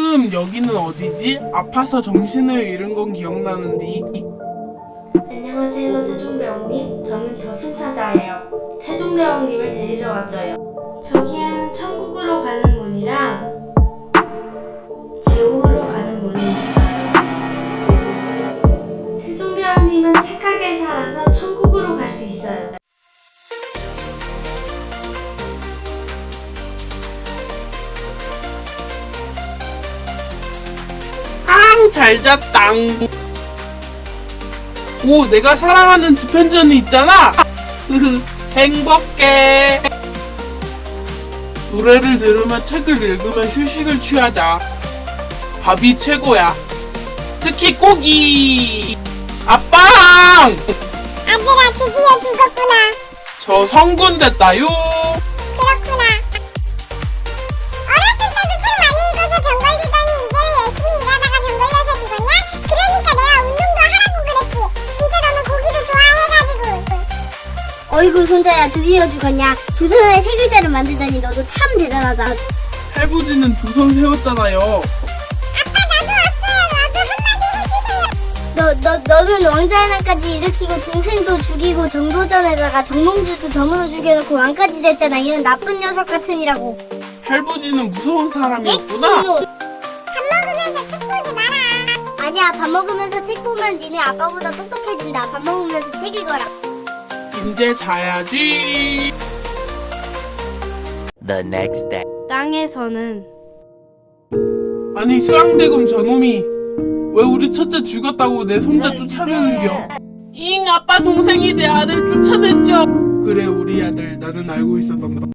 여기는 어디지? 아파서 정신을 잃은 건 기억나는데. 안녕하세요, 세종대왕님. 저는 저승사자예요. 세종대왕님을 데리러 왔어요. 저기에는 천국으로 가는 문이랑 지옥으로 가는 문이 있어요. 세종대왕님은 착하게 살아서 천국으로 갈 수 있어요. 잘 잤당. 오, 내가 사랑하는 집현전이 있잖아. 행복해. 노래를 들으며 책을 읽으며 휴식을 취하자. 밥이 최고야. 특히 고기. 아빵! 아들아, 드디어 죽었구나. 저 성군 됐다요. 그렇구나. 어렸을 때도 책 많이 읽어서 병 걸리더니 이제는 열심히 일하다가 병 걸려서 죽었냐? 그러니까 내가 운동도 하라고 그랬지. 진짜 너는 고기도 좋아해가지고. 어이구 손자야, 드디어 죽었냐? 조선의 세 글자를 만들다니 너도 참 대단하다. 할부지는 조선 세웠잖아요. 아빠, 나도 왔어요. 나도 한마디 해주세요. 너는 왕자연왕까지 일으키고 동생도 죽이고 정도전에다가 정몽주도 덤으로 죽여놓고 왕까지 됐잖아. 이런 나쁜 녀석 같으니라고. 할부지는 무서운 사람이었구나. 이놈. 밥 먹으면서 책 보지 마라. 아니야, 밥 먹으면서 책 보면 니네 아빠보다 똑똑해진다. 밥 먹으면서 책 읽어라. 이제 자야지. The next day. 땅에서는 아니, 수양대금 저놈이 왜 우리 첫째 죽였다고 내 손자 쫓아내는겨? 잉, 아빠 동생이 내 아들 쫓아냈죠. 그래, 우리 아들. 나는 알고 있었단다.